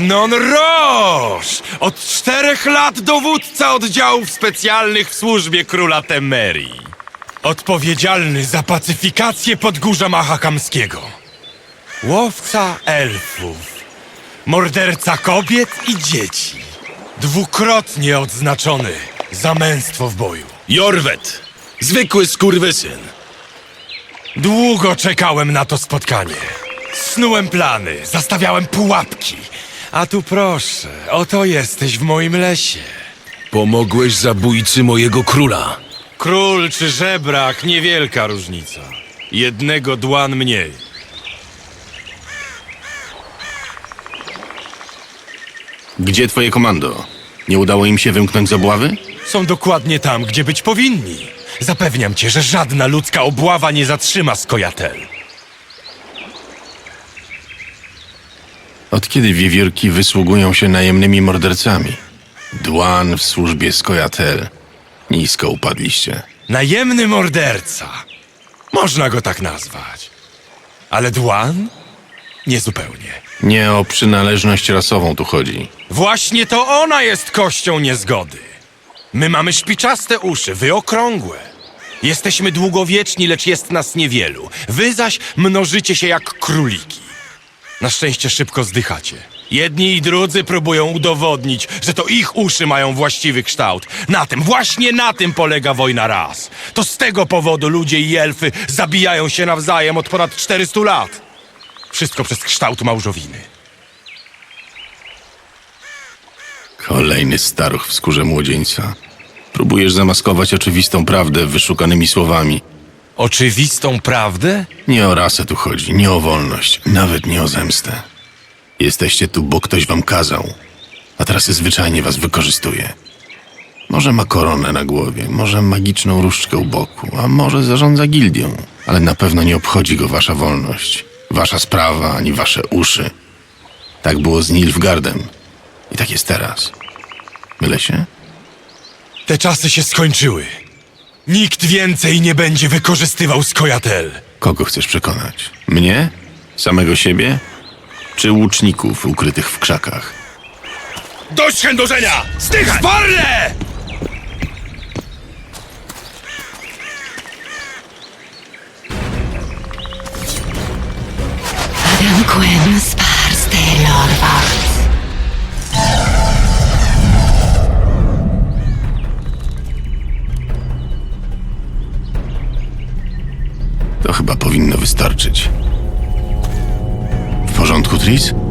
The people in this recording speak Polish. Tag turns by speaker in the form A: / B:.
A: Arnon Roche! Od 4 lat dowódca oddziałów specjalnych w służbie króla Temerii. Odpowiedzialny za pacyfikację Podgórza Mahakamskiego. Łowca elfów. Morderca kobiet i dzieci. Dwukrotnie odznaczony za męstwo w boju.
B: Jorwet! Zwykły skurwysyn.
A: Długo czekałem na to spotkanie. Snułem plany, zastawiałem pułapki. A tu proszę, oto jesteś w moim lesie.
B: Pomogłeś zabójcy mojego króla.
A: Król czy żebrak, niewielka różnica. Jednego dłan mniej.
B: Gdzie twoje komando? Nie udało im się wymknąć z obławy?
A: Są dokładnie tam, gdzie być powinni. Zapewniam cię, że żadna ludzka obława nie zatrzyma Skojatel.
B: Od kiedy wiewiórki wysługują się najemnymi mordercami? Dłan w służbie Skojatel. Nisko upadliście.
A: Najemny morderca. Można go tak nazwać. Ale Dłan? Niezupełnie.
B: Nie o przynależność rasową tu chodzi.
A: Właśnie to ona jest kością niezgody. My mamy szpiczaste uszy, wy okrągłe. Jesteśmy długowieczni, lecz jest nas niewielu. Wy zaś mnożycie się jak króliki. Na szczęście szybko zdychacie. Jedni i drudzy próbują udowodnić, że to ich uszy mają właściwy kształt. Właśnie na tym polega wojna ras. To z tego powodu ludzie i elfy zabijają się nawzajem od ponad 400 lat. Wszystko przez kształt małżowiny.
B: Kolejny staruch w skórze młodzieńca. Próbujesz zamaskować oczywistą prawdę wyszukanymi słowami.
A: Oczywistą prawdę?
B: Nie o rasę tu chodzi, nie o wolność, nawet nie o zemstę. Jesteście tu, bo ktoś wam kazał, a teraz zwyczajnie was wykorzystuje. Może ma koronę na głowie, może magiczną różdżkę u boku, a może zarządza gildią, ale na pewno nie obchodzi go wasza wolność, wasza sprawa, ani wasze uszy. Tak było z Nilfgaardem i tak jest teraz. Mylę się?
A: Te czasy się skończyły. Nikt więcej nie będzie wykorzystywał Skojatel.
B: Kogo chcesz przekonać? Mnie? Samego siebie? Czy łuczników ukrytych w krzakach?
A: Dość chędożenia! Zdychaj! Sparle!
C: Adam Quinn spars Taylorwacht.
B: To chyba powinno wystarczyć. W porządku, Tris?